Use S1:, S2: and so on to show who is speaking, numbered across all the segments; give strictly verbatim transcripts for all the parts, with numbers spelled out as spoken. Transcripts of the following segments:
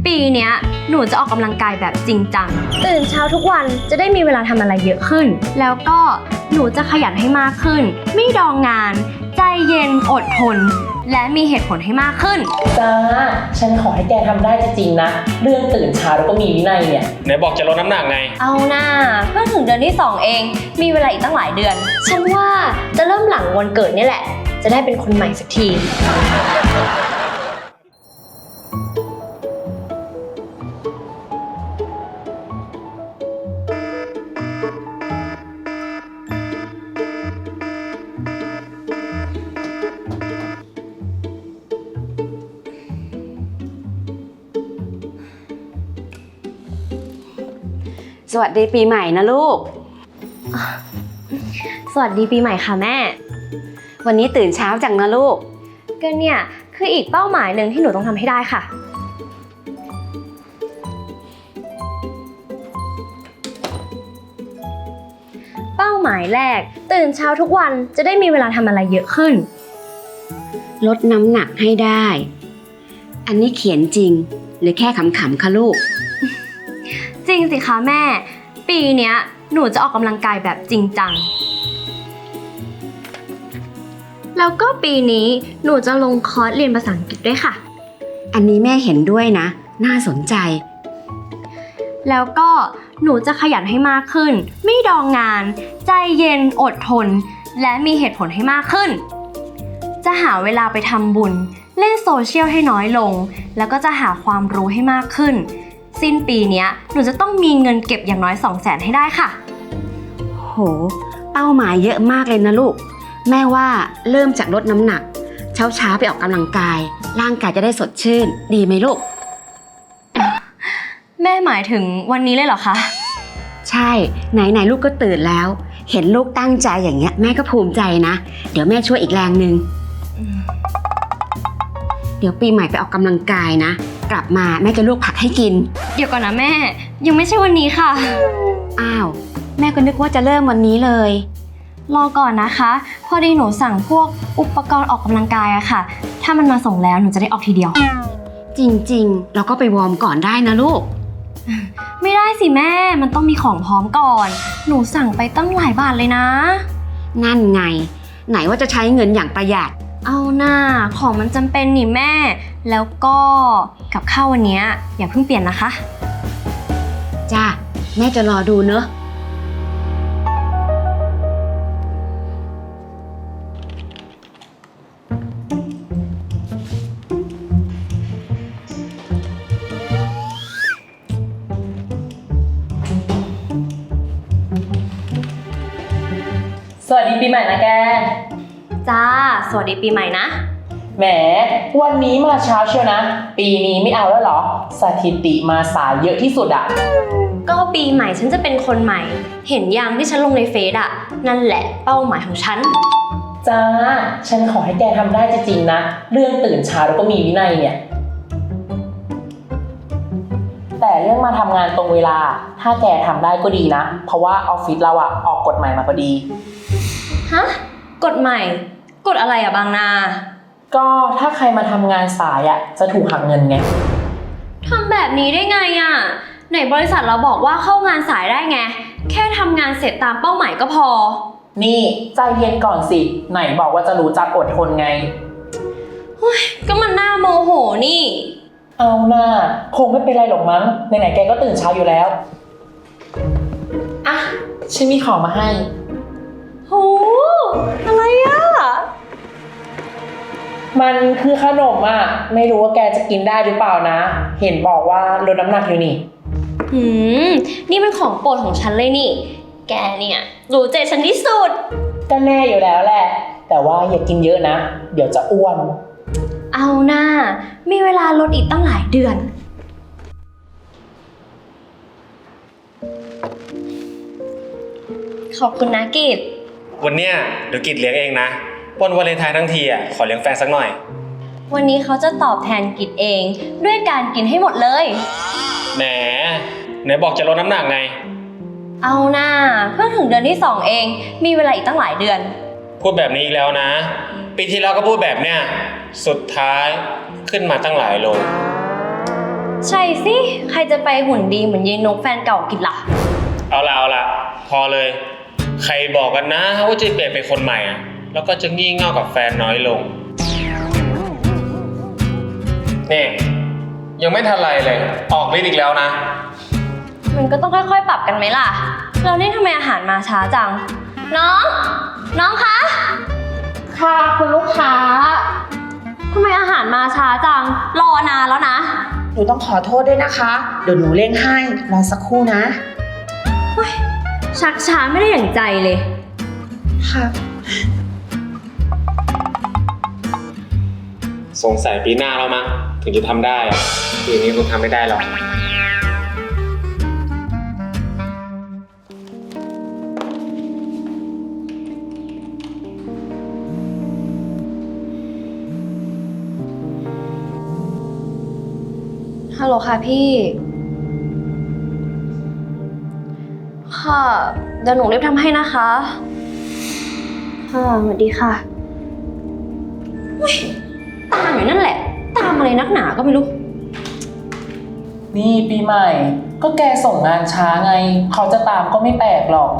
S1: ปีเนี้ยหนูจะออกกำลังกายแบบจริงจังตื่นเช้าทุกวันจะได้มีเวลาทำอะไรเยอะขึ้นแล้วก็หนูจะขยันให้มากขึ้นไม่ดองงานใจเย็นอดทนและมีเหตุผลให้มากขึ้น
S2: จ้าฉันขอให้แกทำได้จริงๆนะเรื่องตื่นเช้าแล้วก็มีวินัยเนี่ย
S3: ไหนบอกจะลดน้ำหนักไง
S1: เอาหน้าเพิ่งถึงเดือนที่สองเองมีเวลาอีกตั้งหลายเดือนฉันว่าจะเริ่มหลังวันเกิดนี่แหละจะได้เป็นคนใหม่สักที
S4: สวัสดีปีใหม่นะลูก
S1: สวัสดีปีใหม่ค่ะแม่
S4: วันนี้ตื่นเช้าจังนะลูก
S1: ก็เนี่ยคืออีกเป้าหมายหนึ่งที่หนูต้องทำให้ได้ค่ะเป้าหมายแรกตื่นเช้าทุกวันจะได้มีเวลาทำอะไรเยอะขึ้น
S4: ลดน้ำหนักให้ได้อันนี้เขียนจริงหรือแค่ขำๆคะลูก
S1: จริงสิคะแม่ปีเนี้ยหนูจะออกกำลังกายแบบจริงจังแล้วก็ปีนี้หนูจะลงคอร์สเรียนภาษาอังกฤษด้วยค่ะ
S4: อันนี้แม่เห็นด้วยนะน่าสนใจ
S1: แล้วก็หนูจะขยันให้มากขึ้นไม่ดองงานใจเย็นอดทนและมีเหตุผลให้มากขึ้นจะหาเวลาไปทำบุญเล่นโซเชียลให้น้อยลงแล้วก็จะหาความรู้ให้มากขึ้นสิ้นปีนี้หนูจะต้องมีเงินเก็บอย่างน้อย สองแสน ให้ได้ค่ะ
S4: โหเป้าหมายเยอะมากเลยนะลูกแม่ว่าเริ่มจากลดน้ำหนักเช้าๆไปออกกำลังกายร่างกายจะได้สดชื่นดีไหมลูก
S1: แม่หมายถึงวันนี้เลยเหรอคะ
S4: ใช่ไหนๆลูกก็ตื่นแล้วเห็นลูกตั้งใจอย่างเงี้ยแม่ก็ภูมิใจนะเดี๋ยวแม่ช่วยอีกแรงนึงเดี๋ยวปีใหม่ไปออกกำลังกายนะกลับมาแม่จะลวกผักให้กิน
S1: เดี๋ยวก่อนนะแม่ยังไม่ใช่วันนี้ค่ะ
S4: อ้าวแม่ก็นึกว่าจะเริ่มวันนี้เลย
S1: รอก่อนนะคะพอดีหนูสั่งพวกอุปกรณ์ออกกำลังกายอะค่ะถ้ามันมาส่งแล้วหนูจะได้ออกทีเดียว
S4: จริงๆเราก็ไปวอร์มก่อนได้นะลูก
S1: ไม่ได้สิแม่มันต้องมีของพร้อมก่อนหนูสั่งไปตั้งหลายบาทเลยนะ
S4: นั่นไงไหนว่าจะใช้เงินอย่างประหยัด
S1: เอาหน้าของมันจำเป็นนี่แม่แล้วก็กับข้าววันนี้อย่าเพิ่งเปลี่ยนนะคะ
S4: จ้าแม่จะรอดูเนอะ
S2: สวัสดีปีใหม่นะแก
S1: จ้าสวัสดีปีใหม่นะ
S2: แหมวันนี้มาเช้าเชียวนะปีนี้ไม่เอาแล้วเหรอสถิติมาสายเยอะที่สุดอะ
S1: ก็ปีใหม่ฉันจะเป็นคนใหม่เห็นยังที่ฉันลงในเฟซอะนั่นแหละเป้าหมายของฉัน
S2: จ้าฉันขอให้แกทำได้จริงๆนะเรื่องตื่นเช้าแล้วก็มีวินัยเนี่ยแต่เรื่องมาทำงานตรงเวลาถ้าแกทำได้ก็ดีนะเพราะว่าออฟฟิศเราอะออกกฎใหม่มาพอดี
S1: ฮะกฎใหม่กฎอะไรอะบางนา
S2: ก็ถ้าใครมาทำงานสายอะจะถูกหักเงินไง
S1: ทำแบบนี้ได้ไงอะไหนบริษัทเราบอกว่าเข้างานสายได้ไงแค่ทำงานเสร็จตามเป้าหมายก็พอ
S2: นี่ใจเย็นก่อนสิไหนบอกว่าจะรู้จักอดทนไง
S1: เฮ้ยก็มันน่าโมโหนี่
S2: เอาหน้าคงไม่เป็นไรหรอกมั้งไหนๆแกก็ตื่นเช้าอยู่แล้วอ่ะฉันมีของมาให้
S1: โหอะไรอ่ะ
S2: มันคือขนมอ่ะไม่รู้ว่าแกจะกินได้หรือเปล่านะเห็นบอกว่าลดน้ำหนักอยู่นี่
S1: หืมนี่เป็นของโปรดของฉันเลยนี่แกเนี่ยรู้ใจฉันที่สุด
S2: ก็แน่อยู่แล้วแหละแต่ว่าอย่ากินเยอะนะเดี๋ยวจะอ้วน
S1: เอาหน้ามีเวลาลดอีกตั้งหลายเดือนขอบคุณนะกิจ
S3: วันเนี้ยเดี๋ยวกิจเลี้ยงเองนะวันวาเลนไทน์ทั้งทีอ่ะขอเลี้ยงแฟนสักหน่อย
S1: วันนี้เขาจะตอบแทนกิจเองด้วยการกินให้หมดเลย
S3: แหมไหนบอกจะลดน้ำหนักไง
S1: เอาหน้าเพิ่งถึงเดือนที่สองเองมีเวลาอีกตั้งหลายเดือน
S3: พูดแบบนี้อีกแล้วนะปีที่แล้วก็พูดแบบเนี้ยสุดท้ายขึ้นมาตั้งหลายโล
S1: ใช่สิ ใครจะไปหุ่นดีเหมือนยายนกแฟนเก่ากินล่ะ
S3: เอาละเอาละพอเลย ใครบอกกันนะว่าจะเปลี่ยนเป็นคนใหม่อะแล้วก็จะงี่เง่ากับแฟนน้อยลงนี่ยังไม่ทันไรเลย ออกฤทธิ์อีกแล้วนะ
S1: มันก็ต้องค่อยๆ ปรับกันไหมล่ะ เรานี่ทำไมอาหารมาช้าจัง น้อง น้องคะ
S2: ค่ะคุณลูกค้า
S1: ทำไมอาหารมาช้าจัง รอนานแล้วนะ
S5: หนูต้องขอโทษด้วยนะคะ เดี๋ยวหนูเร่งให้ รอสักครู่นะ
S1: ชักช้าไม่ได้อย่างใจเลย
S5: ค่ะ
S3: สงสัยปีหน้าแล้วมั้งถึงจะทำได้อะปีนี้คงทำไม่ได้หรอก
S1: ฮัลโหลค่ะพี่ ค่ะ เดี๋ยวหนูรีบทำให้นะคะ ค่ะสวัสดีค่ะอุ๊ยตามอยู่นั่นแหละ ตามอะไรนักหนาก็ไม่รู้
S2: นี่ปีใหม่ ก็แกส่งงานช้าไง เขาจะตามก็ไม่แปลกหรอก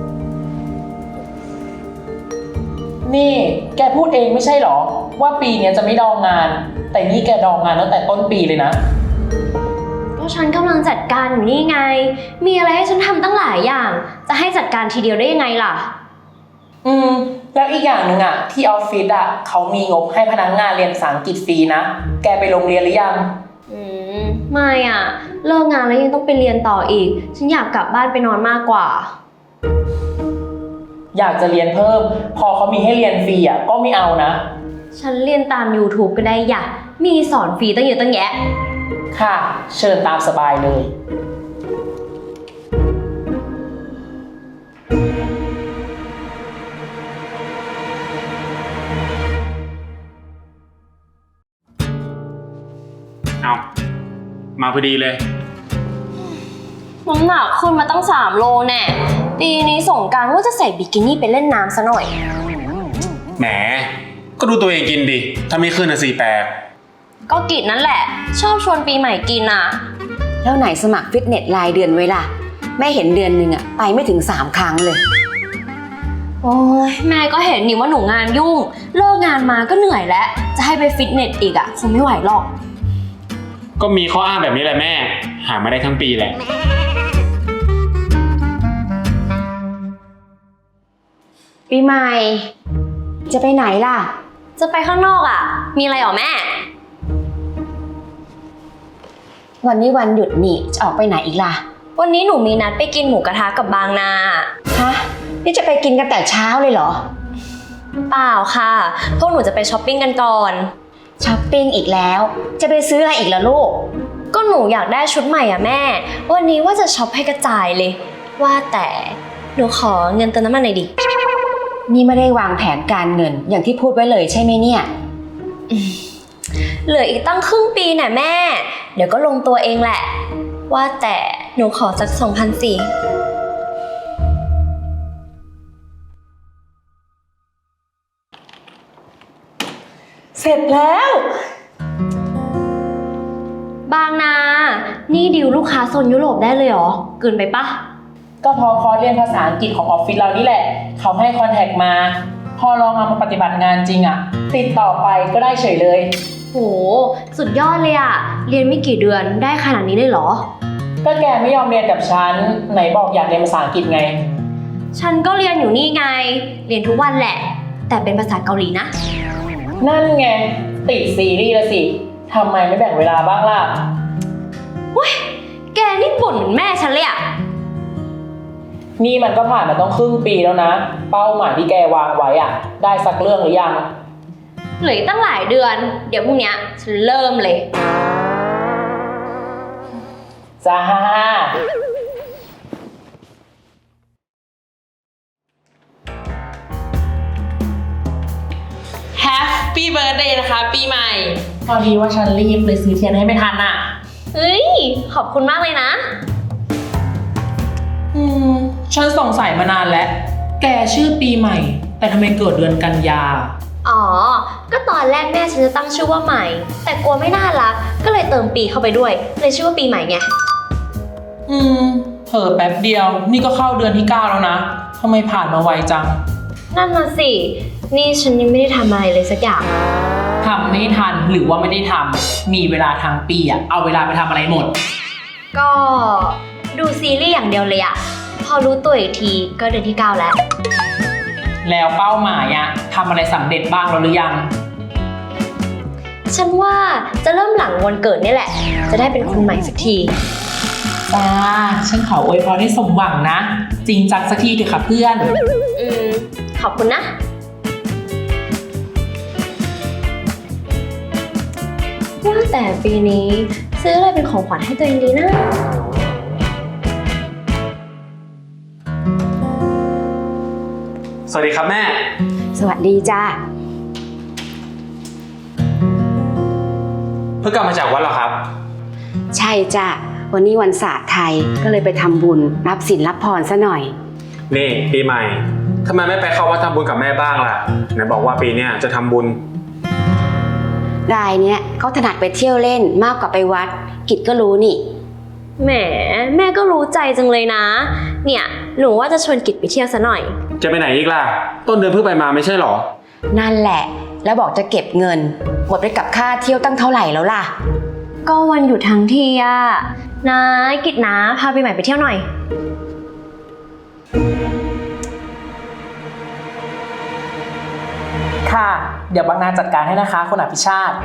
S2: นี่แกพูดเองไม่ใช่หรอ ว่าปีเนี้ยจะไม่ดองงาน แต่นี่แกดองงานตั้งแต่ต้นปีเลยนะ
S1: ก็ฉันกำลังจัดการอยู่นี่ไง มีอะไรให้ฉันทำตั้งหลายอย่าง จะให้จัดการทีเดียวได้ยังไงล่ะ
S2: อืม แล้วอีกอย่างหนึ่งอะที่ออฟฟิศอะเขามีงบให้พนักงานเรียนภาษาอังกฤษฟรีนะ แกไปโรงเรียนหรือยัง
S1: อืม ไม่อ่ะ เลิกงานแล้วยังต้องไปเรียนต่ออีก ฉันอยากกลับบ้านไปนอนมากกว่า
S2: อยากจะเรียนเพิ่ม พอเขามีให้เรียนฟรีอะก็ไม่เอานะ
S1: ฉันเรียนตาม YouTube ก็ได้อย่ะ มีสอนฟรีตั้งเยอะตั้งแยะ
S2: ค่ะ เชิญตามสบายเลย
S3: เอามาพอดีเลย
S1: น้ำหนักขึ้นมาตั้งสามโลแน่ปีนี้สงกรานต์ว่าจะใส่บิกินี่ไปเล่นน้ำซะหน่อย
S3: แหม ก็ดูตัวเองกินดิ ถ้าไม่ขึ้นนะสี่แปด
S1: ก็กิจนั่นแหละ ชอบชวนปีใหม่กินอ่ะ
S4: แล้วไหนสมัครฟิตเนสรายเดือนไว้ล่ะ แม่เห็นเดือนหนึ่งอะไปไม่ถึงสามครั้งเลย
S1: โอ้ยแม่ก็เห็นนี่ว่าหนูงานยุ่ง เลิกงานมาก็เหนื่อยแล้ว จะให้ไปฟิตเนสอีกอ่ะคงไม่ไหวหรอก
S3: ก็มีข้ออ้างแบบนี้แหละแม่ หามาได้ทั้งปีแหละ
S4: ปีใหม่ จะไปไหนล่ะ
S1: จะไปข้างนอกอ่ะ มีอะไรหรอแม่
S4: วันนี้วันหยุดนี่จะออกไปไหนอีกล่ะ
S1: วันนี้หนูมีนัดไปกินหมูกระทะกับบางนา
S4: ฮะ นี่จะไปกินกันแต่เช้าเลยเหรอ
S1: เปล่าค่ะ พวกหนูจะไปช้อปปิ้งกันก่อน
S4: ช้อปปิ้งอีกแล้ว จะไปซื้ออะไรอีกล่ะลูก
S1: ก็หนูอยากได้ชุดใหม่อ่ะแม่ วันนี้ว่าจะช็อปให้กระจายเลย ว่าแต่หนูขอเงินเติมน้ำมันหน่อยดิ
S4: นี่ไม่ได้วางแผนการเงินอย่างที่พูดไว้เลยใช่ไหมเนี่ย
S1: เหลืออีกตั้งครึ่งปีน่ะแม่ เดี๋ยวก็ลงตัวเองแหละ ว่าแต่หนูขอสักสองพันสี่
S2: เสร็จแล้ว
S1: บางนา นี่ดิวลูกค้าโซนยุโรปได้เลยเหรอ เกินไปปะ
S2: ก็พอคอร์สเรียนภาษาอังกฤษของออฟฟิศเรานี่แหละ เขาให้คอนแทคมา พอลองเอามาปฏิบัติงานจริงอะติดต่อไปก็ได้เฉยเลย
S1: โห สุดยอดเลยอะเรียนไม่กี่เดือนได้ขนาดนี้เลยเหรอ
S2: ก็แกไม่ยอมเรียนกับฉัน ไหนบอกอยากเรียนภาษาอังกฤษไง
S1: ฉันก็เรียนอยู่นี่ไง เรียนทุกวันแหละ แต่เป็นภาษาเกาหลีนะ
S2: นั่นไง ติดซีรีส์ละสิทำไมไม่แบ่งเวลาบ้างล่ะ
S1: เว้ย แกนี่บ่นเหมือนแม่ฉันเลยอะ
S2: นี่มันก็ผ่านมาต้องครึ่งปีแล้วนะ เป้าหมายที่แกวางไว้อะได้สักเรื่องหรือยัง
S1: เหลืออีกตั้งหลายเดือน เดี๋ยวพรุ่งเนี้ยฉันเริ่มเลย
S2: จ้า
S5: Happy Birthday นะคะปีใหม่
S2: พอดีว่าฉันรีบเลยซื้อเทียนให้ไม่ทันอะ
S1: เฮ้ย ขอบคุณมากเลยนะ
S2: อืม ฉันสงสัยมานานแล้ว แกชื่อปีใหม่ แต่ทำไมเกิดเดือนกันยา
S1: อ๋อ ก็ตอนแรกแม่ฉันจะตั้งชื่อว่าใหม่ แต่กลัวไม่น่ารัก ก็เลยเติมปีเข้าไปด้วย เลยชื่อว่าปีใหม่ไง
S2: อืมเผลอแป๊บเดียว นี่ก็เข้าเดือนที่เก้าแล้วนะทำไมผ่านมาไวจัง
S1: นั่นน่ะสิ นี่ฉันยังไม่ได้ทำอะไรเลยสักอย่าง
S2: ทำไม่ทันหรือว่าไม่ได้ทำมีเวลาทางปีอะเอาเวลาไปทำอะไรหมด
S1: ก็ดูซีรีส์อย่างเดียวเลยอะพอรู้ตัวอีกทีก็เดือนที่เก้าแล้ว
S2: แล้วเป้าหมายอะทำอะไรสำเร็จบ้างแล้วหรือยัง
S1: ฉันว่าจะเริ่มหลังวันเกิดนี่แหละ จะได้เป็นคนใหม่สักที
S2: จ้า ฉันขออวยพรให้สมหวังนะ จริงจังสักทีเถอะค่ะเพื่อน
S1: อืม ขอบคุณนะ ว่าแต่ปีนี้ซื้ออะไรเป็นของขวัญให้ตัวเองดีนะ
S3: สวัสดีครับแม่
S4: สวัสดีจ้า
S3: เพิ่งกลับมาจากวัดเหรอครับ
S4: ใช่จ้าวันนี้วันศาสตร์ไทยก็เลยไปทำบุญรับศีลรับพรซะหน่อย
S3: นี่ปีใหม่ทำไมไม่ไปเข้าวัดทำบุญกับแม่บ้างล่ะไหนบอกว่าปีเนี้ยจะทำบุญ
S4: รายเนี้ยเขาถนัดไปเที่ยวเล่นมากกว่าไปวัด กิจก็รู้นี่
S1: แหม แม่ก็รู้ใจจังเลยนะ เนี่ย หนูว่าจะชวนกิจไปเที่ยวซะหน่อย
S3: จะไปไหนอีกล่ะ ต้นเดือนเพิ่งไปมาไม่ใช่หรอ
S4: นั่นแหละ แล้วบอกจะเก็บเงินหมดไปกับค่าเที่ยวตั้งเท่าไหร่แล้วล่ะ
S1: ก็วันหยุดทั้งทีอะนะกิจนะพาปีใหม่ไปเที่ยวหน่อย
S2: ค่ะ เดี๋ยวบางนาจัดการให้นะคะคุณอภิชาติ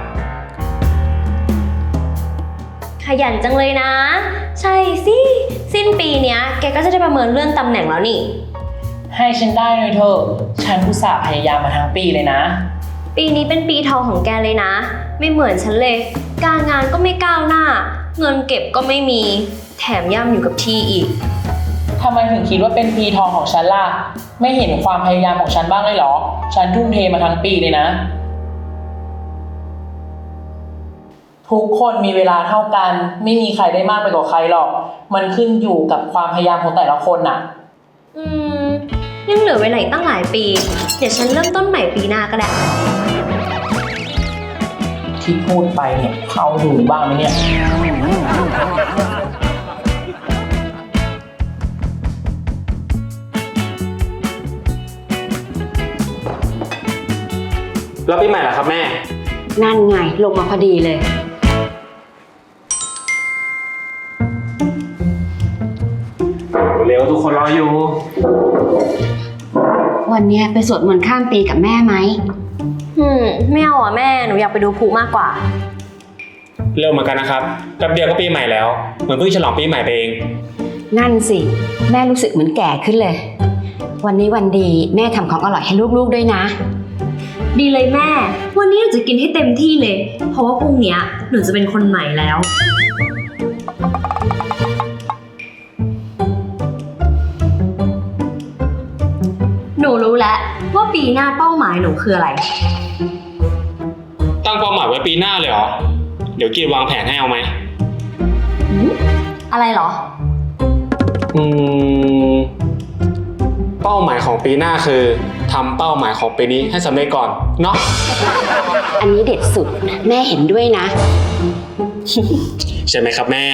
S1: ขยันจังเลยนะ ใช่สิ สิ้นปีเนี้ยแกก็จะได้ประเมินเลื่อนตำแหน่งแล้วนี่
S2: ให้ฉันได้หน่อยเถอะฉันอุตส่าห์พยายามมาทั้งปีเลยนะ
S1: ปีนี้เป็นปีทองของแกเลยนะ ไม่เหมือนฉันเลย การงานก็ไม่ก้าวหน้า เงินเก็บก็ไม่มี แถมย่ำอยู่กับที่อีก
S2: ทำไมถึงคิดว่าเป็นปีทองของฉันล่ะ ไม่เห็นความพยายามของฉันบ้างเลยเหรอ ฉันทุ่มเทมาทั้งปีเลยนะ ทุกคนมีเวลาเท่ากัน ไม่มีใครได้มากไปกว่าใครหรอก มันขึ้นอยู่กับความพยายามของแต่ละคนน่ะ
S1: อืม ยังเหลือเวลาอีกตั้งหลายปี เดี๋ยวฉันเริ่มต้นใหม่ปีหน้าก็ได้
S2: ที่พูดไปเนี่ยเขาดูบ้างไหมเนี่ย
S3: แล้วปีใหม่ล่ะครับแม่
S4: นั่นไงลงมาพอดีเลย
S3: เร็วทุกคนรออยู่
S4: วันเนี้ยไปสวดมนต์ข้ามปีกับแม่ไหม
S1: อืม ไม่เอาอ่ะแม่ หนูอยากไปดูพลุมากกว่า
S3: เร็วเหมือนกันนะครับแป๊บเดียวก็ปีใหม่แล้วเหมือนเพิ่งฉลองปีใหม่ไปเอง
S4: นั่นสิแม่รู้สึกเหมือนแก่ขึ้นเลย วันนี้วันดีแม่ทำของอร่อยให้ลูกๆด้วยนะ
S1: ดีเลยแม่ วันนี้หนูจะกินให้เต็มที่เลย เพราะว่าพรุ่งเนี้ยหนูจะเป็นคนใหม่แล้ว หนูรู้แล้วว่าปีหน้าเป้าหมายหนูคืออะไร
S3: ตั้งเป้าหมายไว้ปีหน้าเลยเหรอ เดี๋ยวกีดวางแผนให้เอาไหม
S1: อะไรเหรอ
S3: อืม เป้าหมายของปีหน้าคือทำเป้าหมายของปีนี้ให้สำเร็จก่อนเนาะ
S4: อันนี้เด็ดสุดแม่เห็นด้วยนะ
S3: ใช่ไหมครับแม่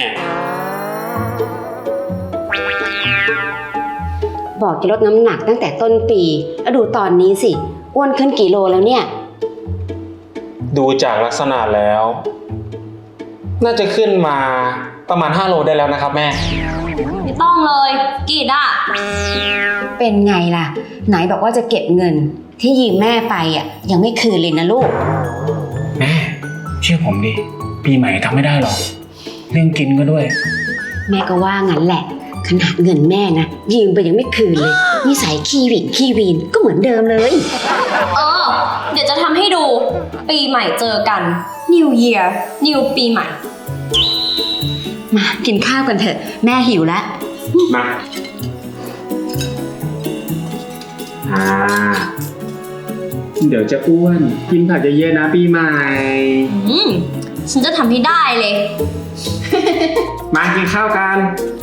S4: บอกจะลดน้ำหนักตั้งแต่ต้นปีแล้วดูตอนนี้สิอ้วนขึ้นกี่โลแล้วเนี่ย
S3: ดูจากลักษณะแล้ว น่าจะขึ้นมาประมาณห้าโลได้แล้วนะครับแม่
S1: ไม่ต้องเลยกีดอ่ะ
S4: เป็นไงล่ะ ไหนบอกว่าจะเก็บเงินที่ยืมแม่ไปอ่ะยังไม่คืนเลยนะลูก
S3: แม่เชื่อผมดิปีใหม่ทำไม่ได้หรอกเรื่องกินก็ด้วย
S4: แม่ก็ว่างั้นแหละ ขนาดเงินแม่นะยืมไปยังไม่คืนเลยนิสัยขี้หวิ่งขี้วีนก็เหมือนเดิมเลย
S1: เออ เดี๋ยวจะทำให้ดู ปีใหม่เจอกัน New Year New ปีใหม่
S4: มากินข้าวกันเถอะแม่หิวแล้ว
S3: มาอ่าเดี๋ยวจะอ้วนกินผักเยอะๆนะปีใหม่
S1: อืม ฉันจะทำให้ได้เลย
S3: มากินข้าวกัน